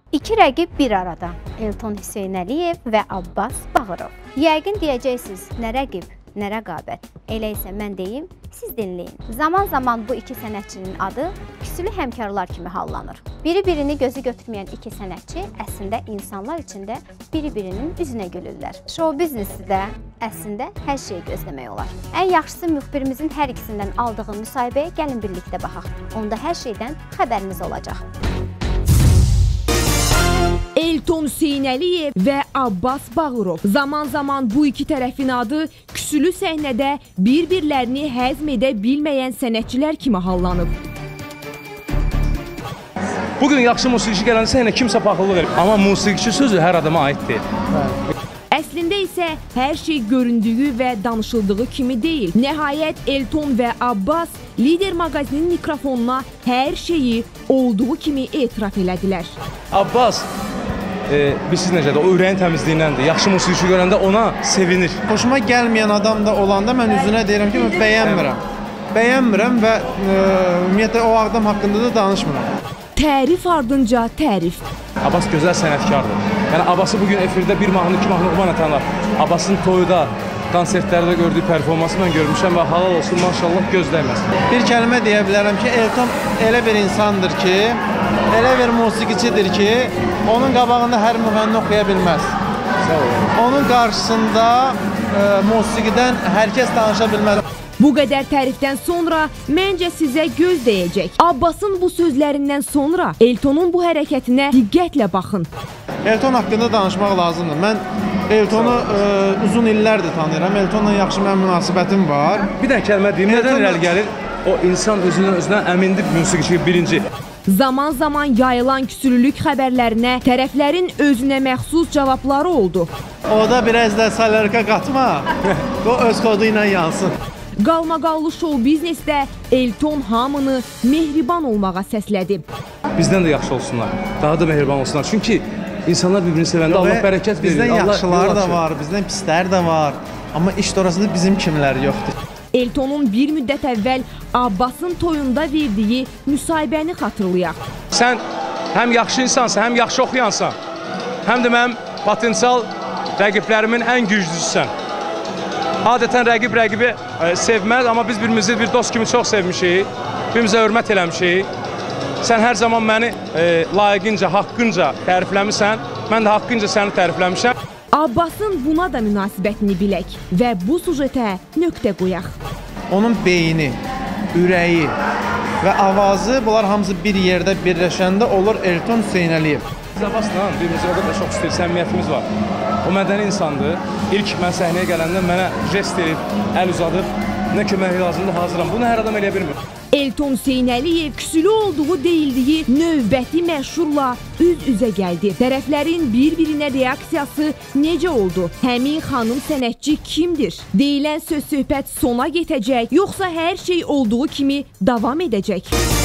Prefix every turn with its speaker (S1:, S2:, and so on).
S1: İki rəqib bir arada. Elton Hüseynəliyev və Abbas Bağırov. Yəqin deyəcəksiniz, nə rəqib, nə rəqabət. Elə isə mən deyim, siz dinləyin. Zaman-zaman bu iki sənətçinin adı küsülü həmkarlar kimi hallanır. Biri-birini gözü götürməyən iki sənətçi əslində insanlar içində biri-birinin üzünə gülürlər. Show biznesi də əslində hər şeyi gözləmək olar. Ən yaxşısı müxbirimizin hər ikisindən aldığı müsahibəyə gəlin birlikdə baxaq. Onda hər şeydən xəbəriniz olacaq.
S2: Elton Hüseynəliyev və Abbas Bağırov. Zaman-zaman bu iki tərəfin adı küsülü səhnədə bir-birlərini həzm edə bilməyən sənətçilər kimi hallanıb.
S3: Bugün yaxşı musiqiçi gələndə səhnə kimsə paxıllıq verir. Amma musiqiçi sözü hər adama aid deyil.
S2: Əslində isə hər şey göründüyü və danışıldığı kimi deyil. Nəhayət Elton və Abbas Lider maqazinin mikrofonuna hər şeyi olduğu kimi etiraf elədilər.
S3: Abbas, siz necədir? O ürəyin təmizliyindəndir. Yaxşı musiqiçi görəndə ona sevinir.
S4: Xoşuma gəlməyən adam da olanda mən üzünə deyirəm ki, mən bəyənmirəm. Bəyənmirəm və ümumiyyətlə o adam haqqında da danışmıram.
S2: Tərif ardınca tərif.
S3: Abbas gözəl sənətkardır. Yəni Abbası bugün efirdə 1 mahnı, 2 mahnı oxuman atanlar. Abbasın toyuda, konsertlərdə gördüyü performansı mən görmüşəm və halal olsun, maşallah gözləməz.
S4: Bir kəlmə deyə bilərəm ki, Elton elə bir insandır ki, elə bir musiqiçidir ki, onun qabağında hər müğənni oxuya bilməz. Onun qarşısında musiqidən hər kəs danışa bilməz.
S2: Bu qədər tərifdən sonra məncə sizə göz dəyəcək. Abbasın bu sözlərindən sonra Eltonun bu hərəkətinə diqqətlə baxın.
S4: Elton haqqında danışmaq lazımdır. Mən Eltonu uzun illərdir tanıyıram. Eltonla yaxşı mənim münasibətim var.
S3: Bir dənə kəlmə deyim, nədən irəli gəlir? O insan özünə əmindir musiqiçi birinci.
S2: Zaman-zaman yayılan küsülülük xəbərlərinə tərəflərin özünə məxsus cavabları oldu.
S4: O da biraz da salarka qatma, o öz kodu ilə yansın.
S2: Qalmaqallı show biznesdə Elton hamını mehriban olmağa səslədi.
S3: Bizdən də yaxşı olsunlar, daha da mehriban olsunlar. Çünki insanlar bir-birini sevəndə Allah bərəkət verir.
S4: Bizdən yaxşılar da var, bizdən pislər də var. Amma iş orasında bizim kimlər yoxdur.
S2: Eltonun bir müddət əvvəl Abbasın toyunda verdiyi müsahibəni xatırlayaq.
S3: Sən həm yaxşı insansan, həm yaxşı oxuyansan, həm də mənim potensial rəqiblərimin ən güclüsüsən. Adətən rəqib rəqibi sevməz, amma biz birimizi bir dost kimi çox sevmişik, birimizə hörmət eləmişik. Sən hər zaman məni layiqincə, haqqınca tərifləmişsən, mən də haqqınca səni tərifləmişəm.
S2: Abbasın buna da münasibətini bilək və bu sujetə nöqtə qoyaq.
S4: Onun beyni, ürəyi və avazı, bunlar hamısı bir yerdə birləşəndə olur Elton Hüseynəliyev.
S3: Biz Abbasla birimizə o qədər çox istəyir, səmimiyyətimiz var. O mədəni insandır. İlk mən səhnəyə gələndə mənə jest edib, əl uzadıb, nə kömək lazımdır, hazıram. Bunu hər adam eləyə bilmir.
S2: Elton Hüseynəliyev küsülü olduğu deyildiyi növbəti məşhurla üz-üzə gəldi. Tərəflərin bir-birinə reaksiyası necə oldu? Həmin xanım sənətçi kimdir? Deyilən söz-söhbət sona getəcək, yoxsa hər şey olduğu kimi davam edəcək?